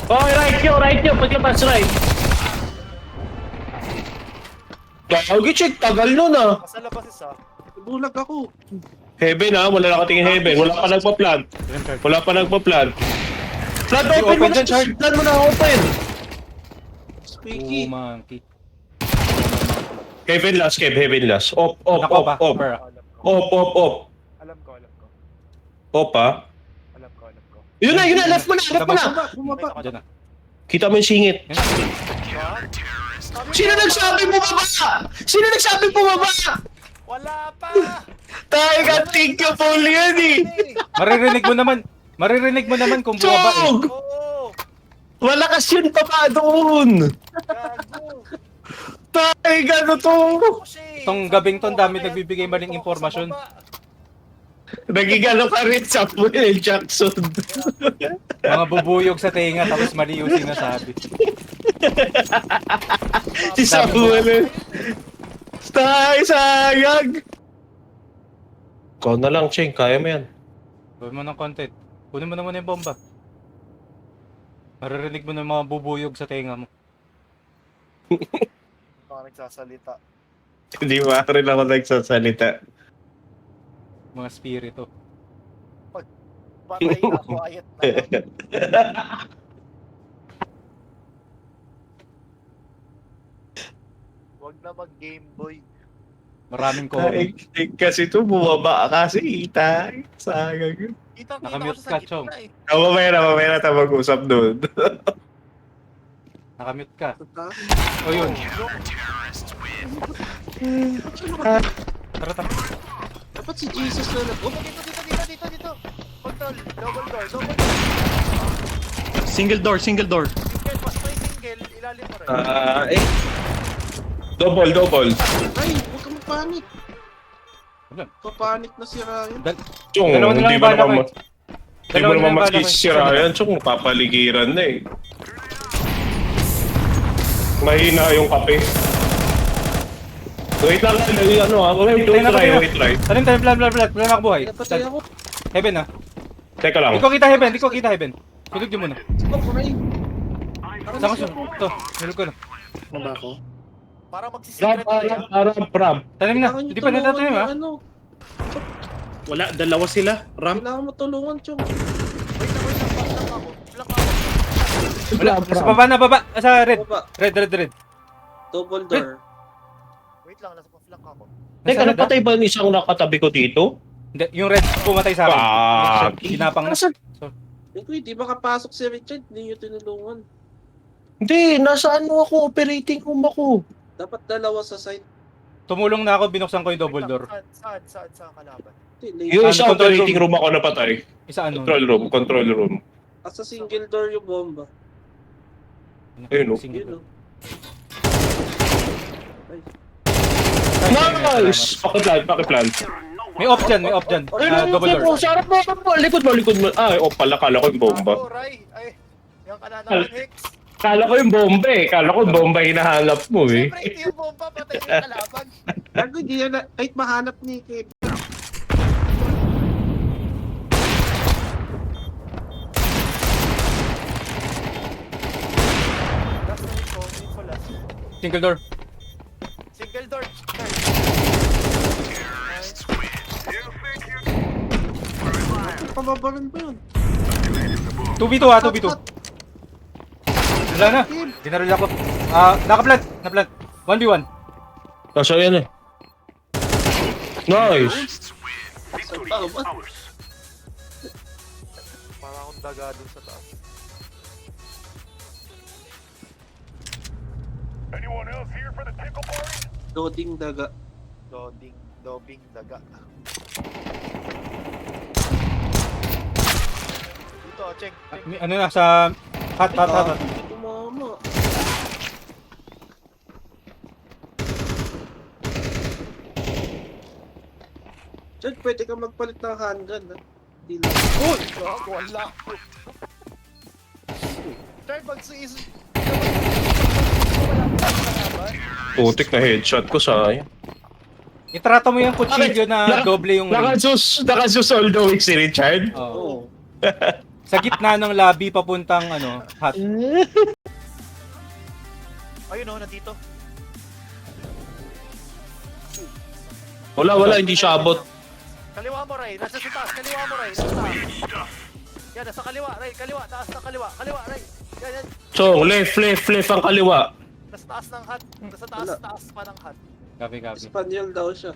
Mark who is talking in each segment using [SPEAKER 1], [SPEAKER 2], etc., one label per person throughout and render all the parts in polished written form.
[SPEAKER 1] Oh, right nyo, paglabas right. Gagi, check, tagal nun ah.
[SPEAKER 2] Nasa labas isa.
[SPEAKER 3] Bulag ako.
[SPEAKER 1] Heaven ah, wala nakatingin heaven. Wala pa nagpa-plant. Wala pa nagpa-plant. Plant open mo
[SPEAKER 4] Open
[SPEAKER 1] na,
[SPEAKER 4] dyan, Chard.
[SPEAKER 1] plant mo na open.
[SPEAKER 3] Squeaky.
[SPEAKER 4] Monkey.
[SPEAKER 1] Heaven last, Kev, heaven last. Op, op,
[SPEAKER 4] Nako
[SPEAKER 1] op,
[SPEAKER 4] ba?
[SPEAKER 1] op.
[SPEAKER 4] Over.
[SPEAKER 1] Op, op, op.
[SPEAKER 2] Alam ko, alam ko.
[SPEAKER 1] Op ah.
[SPEAKER 2] Alam ko, alam ko.
[SPEAKER 1] Yun na, left mo na, left mo na.
[SPEAKER 3] Bumaba.
[SPEAKER 4] Diyan na.
[SPEAKER 1] Kita mo yung singit.
[SPEAKER 4] Yan.
[SPEAKER 1] Sino nagsabi bumaba? Sino nagsabi bumaba?
[SPEAKER 2] Wala pa!
[SPEAKER 1] Tayo ka, thank you, Paul yan eh.
[SPEAKER 4] Maririnig mo naman kung bumaba eh.
[SPEAKER 1] Chog!
[SPEAKER 2] Oo!
[SPEAKER 1] Malakas yun pa pa doon.
[SPEAKER 2] Gago!
[SPEAKER 1] Tayo ka, to.
[SPEAKER 2] Kasi...
[SPEAKER 4] Tong gabing ton, dami nagbibigay maling impormasyon.
[SPEAKER 1] Nagigalo ka rin sa Samuel Jackson.
[SPEAKER 4] Mga bubuyog sa tenga tapos mali yung sinasabi.
[SPEAKER 1] Si Samuel. Tayo, sayang. Ikaw na lang, Cheng. Kaya mo yan.
[SPEAKER 4] Gawin mo ng content. Kunin mo na muna yung bomba. Maririnig mo ng mga bubuyog sa tenga mo.
[SPEAKER 2] Mga nagsasalita.
[SPEAKER 1] Hindi ba rin ako nagsasalita.
[SPEAKER 4] Mga spirito.
[SPEAKER 2] Patay na, quiet na. Huwag na mag-Game Boy.
[SPEAKER 4] Maraming ko.
[SPEAKER 1] Kasi ito, bumaba kasi. Tayo, sayang.
[SPEAKER 2] Kita-kita
[SPEAKER 4] Nakamute
[SPEAKER 2] ko sa
[SPEAKER 4] ka,
[SPEAKER 2] gitna
[SPEAKER 4] Chong.
[SPEAKER 2] eh.
[SPEAKER 1] Mamaya na tayo mag-usap doon.
[SPEAKER 4] Nakamute ka.
[SPEAKER 3] Tata.
[SPEAKER 4] O yun. Tara, tara.
[SPEAKER 3] Dapat si Jesus na nag...
[SPEAKER 2] Dito. Control, double door.
[SPEAKER 5] Single door.
[SPEAKER 2] Single, pas may single, ilalim mo rin.
[SPEAKER 1] Double.
[SPEAKER 3] Ay, huwag ka mapanik.
[SPEAKER 4] Wala.
[SPEAKER 3] Papanik na si Ryan.
[SPEAKER 1] Chong,
[SPEAKER 4] Dalawa na lang
[SPEAKER 1] hindi
[SPEAKER 4] yung
[SPEAKER 1] mo
[SPEAKER 4] bala ko
[SPEAKER 1] naman
[SPEAKER 4] eh.
[SPEAKER 1] hindi mo naman masisira yan. Chong, papaligiran na eh. Mahina yung kape. Wait lang, ano ah. Wait, try.
[SPEAKER 4] Tanim, plan ako buhay.
[SPEAKER 3] Napatay ako.
[SPEAKER 4] Heaven ah.
[SPEAKER 1] Teka lang.
[SPEAKER 4] Di ko kita heaven. Tulog niyo muna.
[SPEAKER 3] Sige, Ray.
[SPEAKER 4] Saan ko siya? Ito, nilog ko na.
[SPEAKER 3] Ano ba ako?
[SPEAKER 2] Para magsisikret na yan.
[SPEAKER 1] Prab.
[SPEAKER 4] Tanim na,
[SPEAKER 3] Kailangan
[SPEAKER 4] hindi
[SPEAKER 3] niyo
[SPEAKER 4] pa
[SPEAKER 3] tulungan
[SPEAKER 4] natatanim
[SPEAKER 3] yung
[SPEAKER 4] ah.
[SPEAKER 3] Ano?
[SPEAKER 5] Wala, dalawa sila. Ramp.
[SPEAKER 3] Kailangan mo tulungan, Chong.
[SPEAKER 2] Wait lang ako. Flank ako.
[SPEAKER 4] Wala, sa baba na, sa red.
[SPEAKER 3] Baba.
[SPEAKER 4] Red.
[SPEAKER 3] Double door.
[SPEAKER 2] Wait lang, nasa flank ako.
[SPEAKER 1] Teka, napatay ba yung isang nakatabi ko dito?
[SPEAKER 4] Hindi, yung red pumatay sa akin.
[SPEAKER 1] Ah,
[SPEAKER 4] Ginapang na.
[SPEAKER 3] Hindi makapasok si Richard, hindi nyo tinulungan.
[SPEAKER 1] Hindi, nasa ano ako, operating room ako.
[SPEAKER 3] Dapat dalawa sa site.
[SPEAKER 4] Tumulong na ako, binuksan ko yung double door.
[SPEAKER 2] Saan kalaban?
[SPEAKER 3] Hindi,
[SPEAKER 1] Yung
[SPEAKER 4] Ano,
[SPEAKER 1] isa
[SPEAKER 4] control
[SPEAKER 1] operating room ako napatay.
[SPEAKER 4] Isa ano?
[SPEAKER 1] Control room.
[SPEAKER 3] Sa single door yung bomba.
[SPEAKER 1] Ayun, oh.
[SPEAKER 4] Single
[SPEAKER 3] Yun
[SPEAKER 4] door.
[SPEAKER 3] o.
[SPEAKER 1] Nice! Pakiplan.
[SPEAKER 4] May off dyan. Double door.
[SPEAKER 1] Sarap mo. Likod mo. Ay, pala, kala ko yung bomba.
[SPEAKER 2] Gago, Ray. Ay, yung kanana ng Hex.
[SPEAKER 1] Kala ko yung bomba eh. Kala ko yung bomba hinahanap mo eh.
[SPEAKER 2] Siyempre, hindi yung bomba, patay yung kalaban.
[SPEAKER 3] Gago, hindi yan na, kahit mahanap ni Kev.
[SPEAKER 2] Last na info last.
[SPEAKER 4] Single door.
[SPEAKER 2] Single door.
[SPEAKER 3] Pababaran ba yun?
[SPEAKER 4] 2v2 ah, 2v2. Wala na. Dinaril ako. Nakaplant. 1v1.
[SPEAKER 1] Kaso yan eh. Nice!
[SPEAKER 3] Saan ba ba?
[SPEAKER 2] Para akong daga dun sa taas.
[SPEAKER 3] Doding daga.
[SPEAKER 2] Dobing daga. Dito, check.
[SPEAKER 4] Ano na, sa hot.
[SPEAKER 3] Hindi kumama. Chad, pwede ka magpalit ng handgun, ha? Hindi lang.
[SPEAKER 2] Uy! Gago, wala ko. Try magsiis.
[SPEAKER 1] Putik na headshot ko sayang.
[SPEAKER 4] Itrato mo yung kutsilyo na doble yung...
[SPEAKER 1] Nakasus all the way si Richard.
[SPEAKER 4] Oo.
[SPEAKER 3] Oo.
[SPEAKER 4] Sa gitna ng lobby papuntang ano, hot.
[SPEAKER 2] Ayun oh, nandito.
[SPEAKER 1] Wala, hindi siya abot.
[SPEAKER 2] Kaliwa mo, Ray. Nasa sa taas. Kaliwa mo, Ray. Nasa taas. Yan, nasa kaliwa, Ray. Kaliwa. Taas na kaliwa. Kaliwa, Ray. Yan.
[SPEAKER 1] So, left ang kaliwa.
[SPEAKER 2] Nasa taas ng hat. Nasa taas pa ng hat.
[SPEAKER 4] Copy.
[SPEAKER 3] Espanyol daw siya.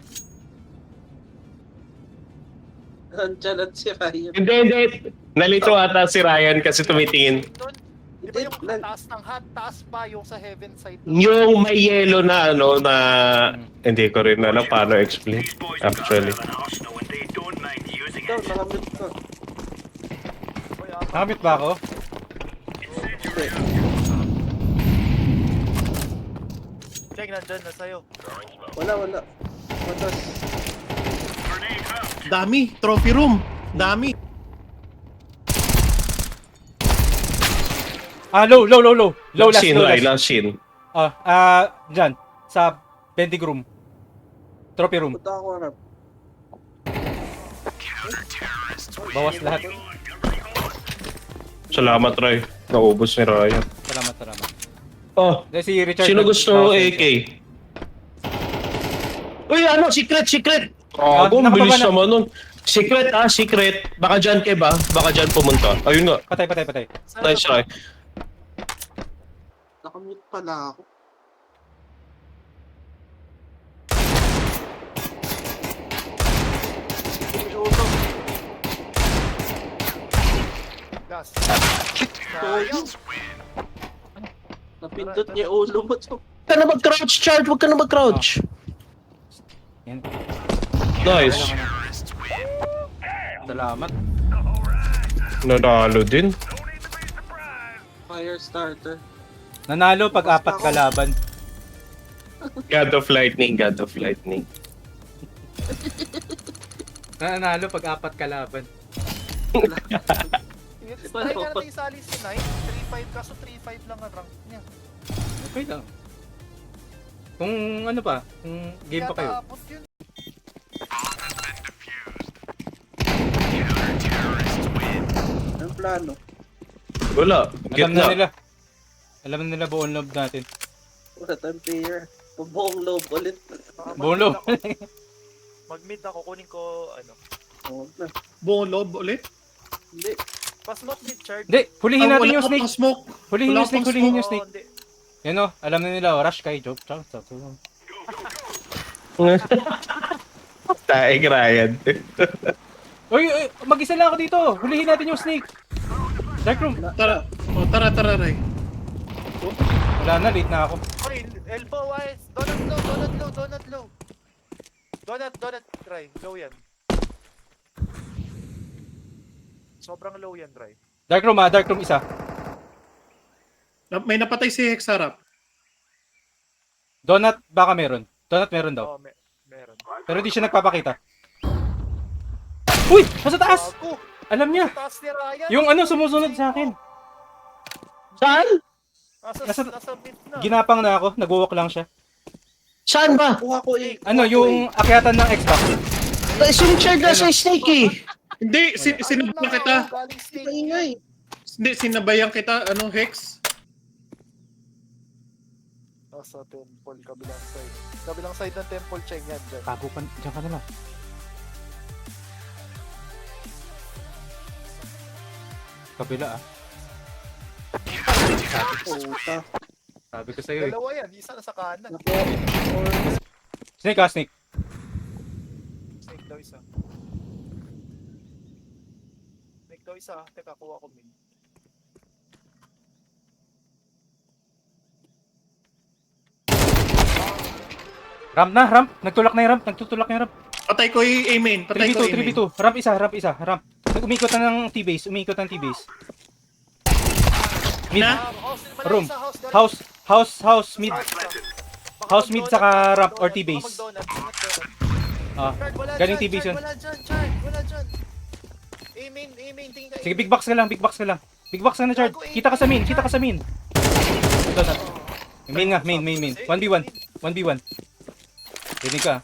[SPEAKER 3] Nandiyan at si Ryan.
[SPEAKER 1] Hindi. Nalito ata si Ryan kasi tumitingin.
[SPEAKER 2] Doon. Di ba yung taas ng hat? Taas pa yung sa heaven side.
[SPEAKER 1] Yung may yellow na ano na hindi ko rin alam paano explain actually.
[SPEAKER 3] Ikaw, nakamit ko.
[SPEAKER 2] Uy,
[SPEAKER 4] Nakamit ba ako?
[SPEAKER 3] Hindi.
[SPEAKER 2] Check, nandyan na sa'yo.
[SPEAKER 3] Wala. Matas.
[SPEAKER 5] Dami. Trophy room. Dami.
[SPEAKER 4] Low. Low last,
[SPEAKER 1] Scene,
[SPEAKER 4] low
[SPEAKER 1] Ray,
[SPEAKER 4] last.
[SPEAKER 1] last scene.
[SPEAKER 4] Dyan. Sa vending room. Trophy room.
[SPEAKER 3] Punta ako harap.
[SPEAKER 4] Bawas lahat.
[SPEAKER 1] Salamat, Ray. Naubos ni Ryan.
[SPEAKER 4] Salamat.
[SPEAKER 1] Oh,
[SPEAKER 4] Dahil si Richard.
[SPEAKER 1] sino gusto AK? Uy, ano? Secret! Oh,
[SPEAKER 4] nakababa
[SPEAKER 1] bilis
[SPEAKER 4] na.
[SPEAKER 1] naman nun. Secret. Baka dyan, Kev, baka dyan pumunta. Ayun nga.
[SPEAKER 4] Patay.
[SPEAKER 1] Nice try.
[SPEAKER 3] Nakamute pala ako.
[SPEAKER 2] Gas.
[SPEAKER 3] Sayang. Napindot niya yung ulo mo.
[SPEAKER 1] Huwag ka na mag-crouch, Chard. Huwag ka na mag-crouch.
[SPEAKER 4] Yan.
[SPEAKER 1] Nice.
[SPEAKER 4] Salamat.
[SPEAKER 1] Nanalo din.
[SPEAKER 3] Fire starter.
[SPEAKER 4] Nanalo pag apat kalaban.
[SPEAKER 1] God of Lightning.
[SPEAKER 4] Nanalo pag apat kalaban.
[SPEAKER 2] Tayo ka natin isali si Knight. 3-5 kaso 3-5 lang ang rank niya.
[SPEAKER 4] Okay lang. Kung ano pa, kung game pa kayo.
[SPEAKER 2] Tapos yun.
[SPEAKER 3] Ang plano.
[SPEAKER 1] Wala. Gitna.
[SPEAKER 4] Alam na nila buong loob natin.
[SPEAKER 3] Wala tayong player. Buong loob ulit.
[SPEAKER 4] Buong loob.
[SPEAKER 2] Mag-mid ako, kunin ko ano.
[SPEAKER 3] Oo na.
[SPEAKER 5] Buong loob ulit.
[SPEAKER 3] Hindi.
[SPEAKER 2] Pa-smoke mid, Chard.
[SPEAKER 4] Hindi, hulihin natin
[SPEAKER 5] Wala
[SPEAKER 4] yung
[SPEAKER 5] ka
[SPEAKER 4] snake.
[SPEAKER 5] pang smoke.
[SPEAKER 4] Hulihin
[SPEAKER 5] Wala
[SPEAKER 4] yung snake,
[SPEAKER 5] pang
[SPEAKER 4] hulihin yung
[SPEAKER 2] Oo,
[SPEAKER 4] snake.
[SPEAKER 2] hindi.
[SPEAKER 4] Yan o, alam na nila, rush kay Joke.
[SPEAKER 1] Taig, Ryan.
[SPEAKER 4] Uy, mag-isa lang ako dito. Hulihin natin yung snake. Dark room.
[SPEAKER 5] Tara. O, tara, Ray.
[SPEAKER 4] Wala na, late na ako.
[SPEAKER 2] Oy, elbow wise. Donut, try. Low yan. Sobrang low yan, try.
[SPEAKER 4] Dark room isa.
[SPEAKER 5] May napatay si Hex harap.
[SPEAKER 4] Donut, baka meron. Donut meron daw.
[SPEAKER 2] Oo, meron.
[SPEAKER 4] Pero di siya nagpapakita. Uy! Nasa taas!
[SPEAKER 2] Ako!
[SPEAKER 4] Alam niya.
[SPEAKER 2] Taas ni Ryan.
[SPEAKER 4] Yung ano, sumusunod sa akin.
[SPEAKER 1] Saan?
[SPEAKER 2] Nasa mid na.
[SPEAKER 4] Ginapang na ako, nag-walk lang siya.
[SPEAKER 1] Saan ba?
[SPEAKER 3] Kuha ko eh.
[SPEAKER 4] Ano, yung akyatan ng Xbox.
[SPEAKER 1] Si Richard nasa snake eh.
[SPEAKER 5] Hindi, sinabayan kita.
[SPEAKER 2] Galing snake.
[SPEAKER 3] Ingay.
[SPEAKER 5] Hindi, sinabayan kita. Anong Hex?
[SPEAKER 2] Nasa temple, kabilang side. Kabilang side ng temple, Cheng yan dyan.
[SPEAKER 4] Tago pa, dyan ka na lang. Kabila ah.
[SPEAKER 3] Puta.
[SPEAKER 4] Sabi ko sa'yo eh.
[SPEAKER 2] Dalawa yan, isa na sa kanan.
[SPEAKER 4] Snake ah, snake.
[SPEAKER 2] Snake daw isa. Snake daw isa. Teka, kuha ko mid.
[SPEAKER 4] Ramp na, ramp. Nagtulak na yung ramp. Nagtutulak na yung ramp.
[SPEAKER 5] Patay ko yung A-main. Patay ko
[SPEAKER 4] 3v2,
[SPEAKER 5] A-main.
[SPEAKER 4] 3v2. Ramp isa. Ramp. Umikot na ng T-base. Mid.
[SPEAKER 5] Na?
[SPEAKER 4] Room. House, mid. House mid saka ramp or T-base. Ah, galing T-base yun.
[SPEAKER 2] Wala dyan, Chard. Wala dyan. Aiming, tingin ka.
[SPEAKER 4] Sige, big box ka lang. Big box ka na, Chard. Kita ka sa main. Ito na. Main nga, main. 1v1. Rinig ka.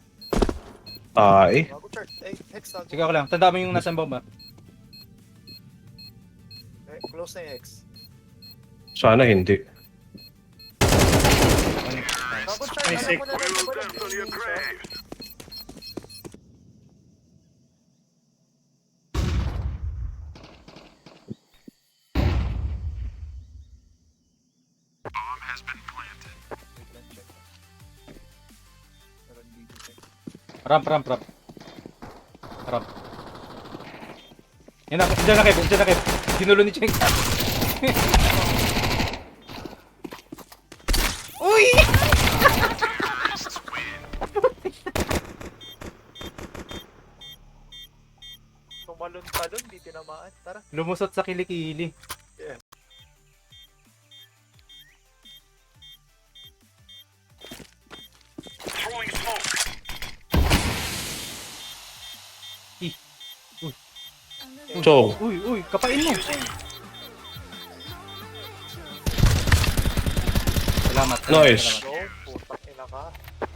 [SPEAKER 1] Ay.
[SPEAKER 2] Bago, Chard. Ay, hex na.
[SPEAKER 4] Sige ako lang. Tanda mo yung nasa bomba.
[SPEAKER 2] Close na yung X.
[SPEAKER 1] Sana hindi.
[SPEAKER 2] Tapos
[SPEAKER 5] Ay,
[SPEAKER 2] alam
[SPEAKER 5] sick.
[SPEAKER 2] mo na rin, diba nag-aiming siya?
[SPEAKER 4] Ramp. Ramp. Yan na, dyan na Kev. Ginulo ni Cheng. Uy!
[SPEAKER 2] Tumalon-talon, di tinamaan. Tara.
[SPEAKER 4] Lumusot sa kilikili.
[SPEAKER 1] Chong.
[SPEAKER 4] Uy, kapain mo. Salamat.
[SPEAKER 1] Nice.
[SPEAKER 2] Go, putang ina ka.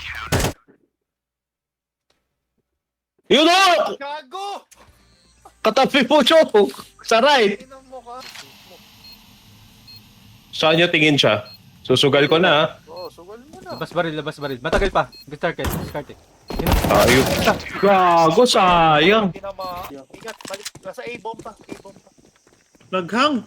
[SPEAKER 1] Yun o!
[SPEAKER 2] Gago!
[SPEAKER 1] Katabi mo, Chong! Sa right!
[SPEAKER 2] Tinan mo ka.
[SPEAKER 1] Saan niya tingin siya? Susugal ko na, ha?
[SPEAKER 2] Oo, sugal mo na.
[SPEAKER 4] Labas baril. Matagal pa. Discard eh.
[SPEAKER 1] Ayun. Gago, sayang.
[SPEAKER 2] Tinamaan. Ingat, balik. Nasa A-bomb pa.
[SPEAKER 5] Naghang.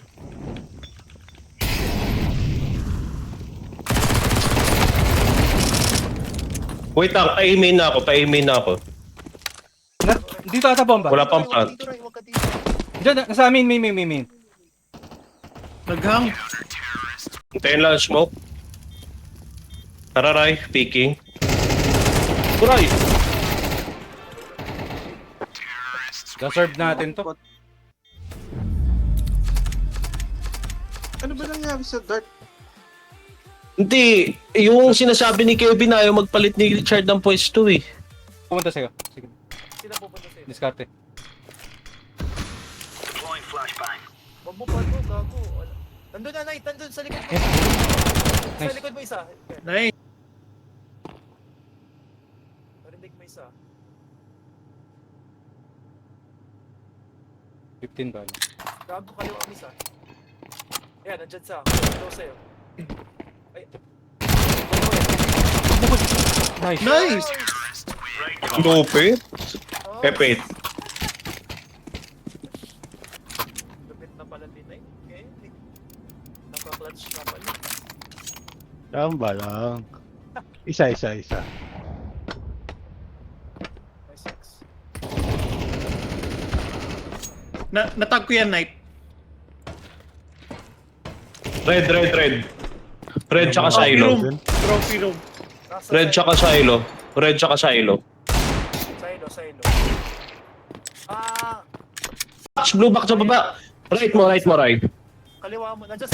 [SPEAKER 1] Wait lang, pa-aiming na ako.
[SPEAKER 4] Dito ata bomba.
[SPEAKER 1] Wala pang plant.
[SPEAKER 2] Dito, Ray, huwag ka dito.
[SPEAKER 4] Diyan, nasa amin, main.
[SPEAKER 5] Naghang.
[SPEAKER 1] Hintayin lang ang smoke. Tara, Ray. Peeking. Ray!
[SPEAKER 4] Serve natin to.
[SPEAKER 3] Ano ba nangyari sa dart?
[SPEAKER 1] Hindi. Yung sinasabi ni Kevin ayaw magpalit ni Richard ng pwesto eh.
[SPEAKER 4] Pumunta sa'yo. Sige,
[SPEAKER 2] Sila pupunta sa'yo.
[SPEAKER 4] diskarte.
[SPEAKER 2] Huwag mo pa ito, gago. Wala. Nandun na, Knight. Nandun sa likod mo. Sa
[SPEAKER 4] Nice.
[SPEAKER 2] likod mo isa.
[SPEAKER 5] Nice.
[SPEAKER 2] Narinig mo isa.
[SPEAKER 4] 15 ba?
[SPEAKER 2] Gago, kaliwa ang isa. Ayan, nandyan sa. Close sa'yo. Ay.
[SPEAKER 4] Nice.
[SPEAKER 5] Nice.
[SPEAKER 1] Lupit.
[SPEAKER 2] Oh,
[SPEAKER 1] Epit.
[SPEAKER 2] lupit na pala din eh. Okay. Naka-clutch na pala.
[SPEAKER 6] Tama lang. Isa.
[SPEAKER 2] Nice X.
[SPEAKER 5] Natag ko yan, Knight.
[SPEAKER 1] Red. Red tsaka silo.
[SPEAKER 5] Trophy room.
[SPEAKER 2] Nasa
[SPEAKER 1] Red tsaka silo.
[SPEAKER 2] Silo.
[SPEAKER 1] Blue back sa baba. Right mo, Ray.
[SPEAKER 2] Kaliwa mo. Nandyan sa...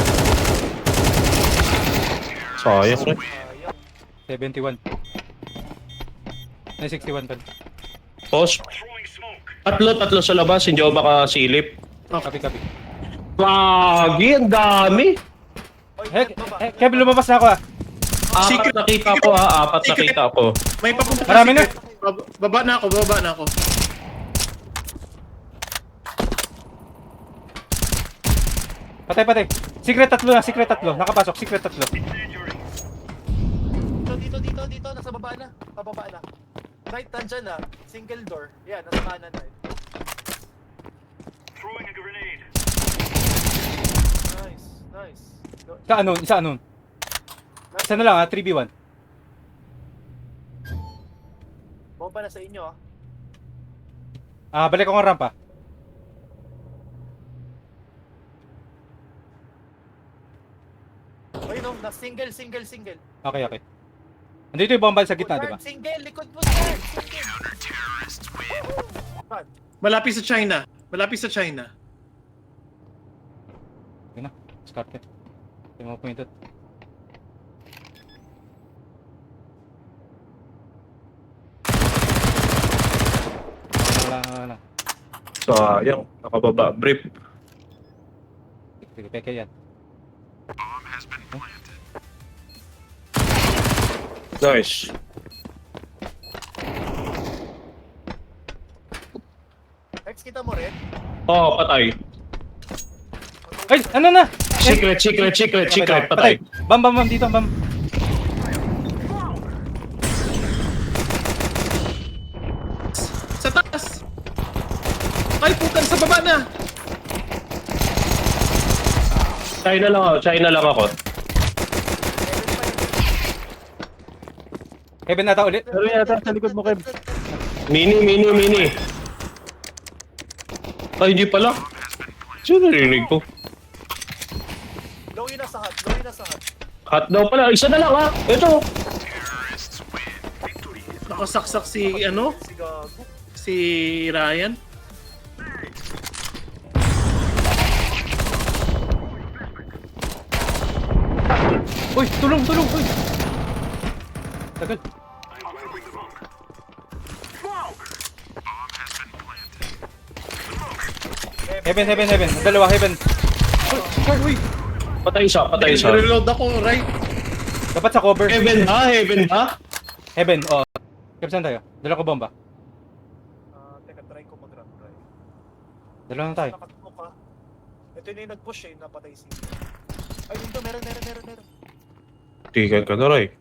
[SPEAKER 1] Sayang, Ray.
[SPEAKER 2] Ayun.
[SPEAKER 4] 71. Ay, 61 pa.
[SPEAKER 1] Pause. Tatlo sa labas. Hindi ako makasilip.
[SPEAKER 4] Copy.
[SPEAKER 1] Wagi, ang dami.
[SPEAKER 2] Oy, baba.
[SPEAKER 4] Kev, lumabas na ako ah.
[SPEAKER 1] Apat nakita ko ha. Apat nakita ko.
[SPEAKER 5] May papunta pa
[SPEAKER 4] Marami na.
[SPEAKER 5] Baba na ako.
[SPEAKER 4] Patay. Secret tatlo. Nakapasok, secret tatlo.
[SPEAKER 2] Dito. Nasa baba na. Pababa na. Right, nandyan na. Single door. Yan, nasa kanan na. Nice.
[SPEAKER 4] Isa anon. Isa na lang 3v1.
[SPEAKER 2] Bomba na sa inyo
[SPEAKER 4] Balik ako ng rampa.
[SPEAKER 2] Ay no, na single.
[SPEAKER 4] Okay. Andito yung bomba sa gitna, di ba?
[SPEAKER 2] Single, likod mo guard. Single.
[SPEAKER 5] Malapit sa China.
[SPEAKER 4] Sige na, diskarte. Yung mga pointed. Wala.
[SPEAKER 1] Sayang. Nakababa. Brief.
[SPEAKER 4] Sige, peke yan.
[SPEAKER 1] Nice.
[SPEAKER 2] X, kita mo rin?
[SPEAKER 1] Oo, patay.
[SPEAKER 4] Ay, ano na?
[SPEAKER 1] Secret, patay.
[SPEAKER 4] Bam, dito, bam.
[SPEAKER 5] Sa taas! Ay, putan, sa baba na!
[SPEAKER 1] China lang ako.
[SPEAKER 4] Heaven nata ulit.
[SPEAKER 6] Pero yata sa likod mo, Kev.
[SPEAKER 1] Mini. Ay, hindi pala. Sino narinig ko?
[SPEAKER 2] Low yun na sa hot.
[SPEAKER 1] Hot daw pala. Isa na lang ha. Ito.
[SPEAKER 5] Nakasaksak si, ano?
[SPEAKER 2] Si Gago.
[SPEAKER 5] Si Ryan.
[SPEAKER 4] Uy, tulong, uy. Tagal. Heaven. Dalawa, heaven. Uy.
[SPEAKER 1] Patay isa.
[SPEAKER 5] Reload ako, right?
[SPEAKER 4] Dapat sa cover.
[SPEAKER 1] Heaven ha?
[SPEAKER 4] Heaven, oh. Kev, saan tayo? Dala ko bomba.
[SPEAKER 2] Teka, try ko mag-run try.
[SPEAKER 4] Dala na tayo.
[SPEAKER 2] Nakatukok ka. Ito yun yung nag-push eh, napatay si... Ay, dito, meron.
[SPEAKER 1] Tigan ka na, Ray.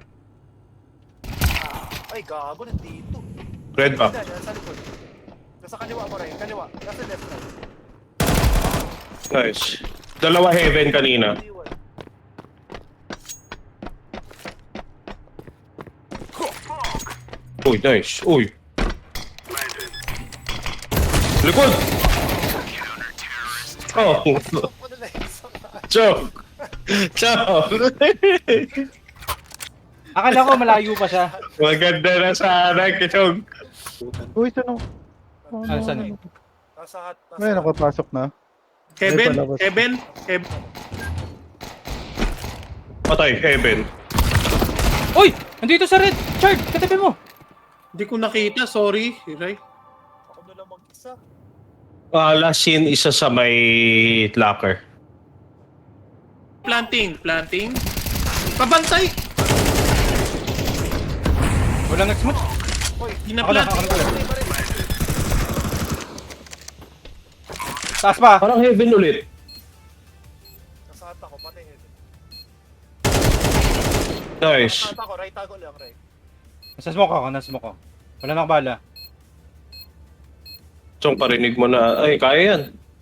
[SPEAKER 2] Ay, gago, nandito.
[SPEAKER 1] Red ba?
[SPEAKER 2] Nasa likod. Nasa kaliwa mo rin, kaliwa. Nasa left right.
[SPEAKER 1] Nice. Dalawa heaven kanina.
[SPEAKER 2] Iwan.
[SPEAKER 1] Uy, nice. Uy. Likod! Oh.
[SPEAKER 2] Ano na yun sa
[SPEAKER 1] Choke!
[SPEAKER 4] Akala ko malayo pa siya.
[SPEAKER 1] Maganda na sana, Kichong.
[SPEAKER 6] Uy, tanong.
[SPEAKER 4] Ah, saan?
[SPEAKER 2] Nasa hot.
[SPEAKER 6] May nakapasok na.
[SPEAKER 5] Heaven,
[SPEAKER 6] Ay, palabas.
[SPEAKER 5] Heaven.
[SPEAKER 1] Patay, heaven.
[SPEAKER 4] Uy! Nandito sa red! Chard! Katabi mo!
[SPEAKER 5] Hindi ko nakita, sorry. Right?
[SPEAKER 2] Ako na lang mag-isa.
[SPEAKER 1] Last scene, isa sa may locker.
[SPEAKER 5] Planting. Pabantay!
[SPEAKER 4] Walang nag-smoke.
[SPEAKER 2] Hoy,
[SPEAKER 4] Ako na.
[SPEAKER 2] patay pa rin.
[SPEAKER 4] Taas pa!
[SPEAKER 1] Parang heaven ulit.
[SPEAKER 2] Nasa hot ako, patay heaven.
[SPEAKER 1] Nice.
[SPEAKER 2] Nasa hot ako, right tago lang, right.
[SPEAKER 4] Nasa smoke ako. Wala na bala.
[SPEAKER 1] Chong, parinig mo na. Ay, kaya yan.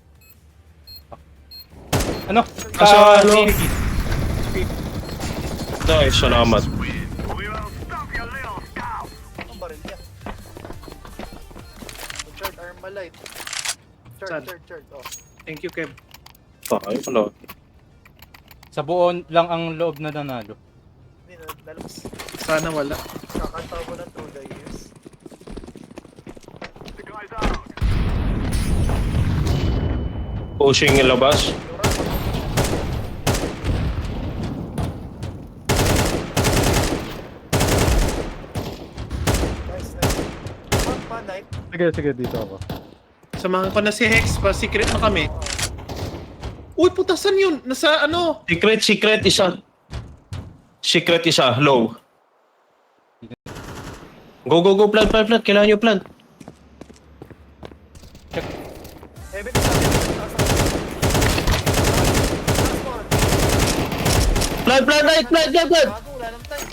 [SPEAKER 4] Ano?
[SPEAKER 1] Kaso ano?
[SPEAKER 4] Trinity.
[SPEAKER 1] Nice, salamat.
[SPEAKER 2] Ang baril niya. Chart, Armalite.
[SPEAKER 5] Saan?
[SPEAKER 2] Chart. Oh.
[SPEAKER 5] Thank you, Kev.
[SPEAKER 1] Ay, pala.
[SPEAKER 4] Sa buo lang ang loob na nanalo.
[SPEAKER 2] Hindi na, lalabas.
[SPEAKER 5] Sana wala.
[SPEAKER 2] Kakanta mo na through the years.
[SPEAKER 1] Pushing yung labas.
[SPEAKER 2] Nice. Knife.
[SPEAKER 6] Sige, dito ako.
[SPEAKER 5] Samahan ko na si Hex, pa secret na kami. Uy, putasan yun! Nasa ano?
[SPEAKER 1] Secret isa. Secret isa, low. Go, plant. Kailangan nyo plant.
[SPEAKER 2] Heaven is up.
[SPEAKER 1] Plant.
[SPEAKER 2] Gago, wala nang time.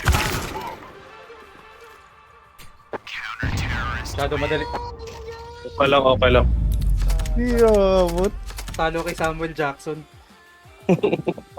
[SPEAKER 4] Masyado madali.
[SPEAKER 1] Okay lang.
[SPEAKER 6] Hindi, abot.
[SPEAKER 4] Talo kay Samuel Jackson.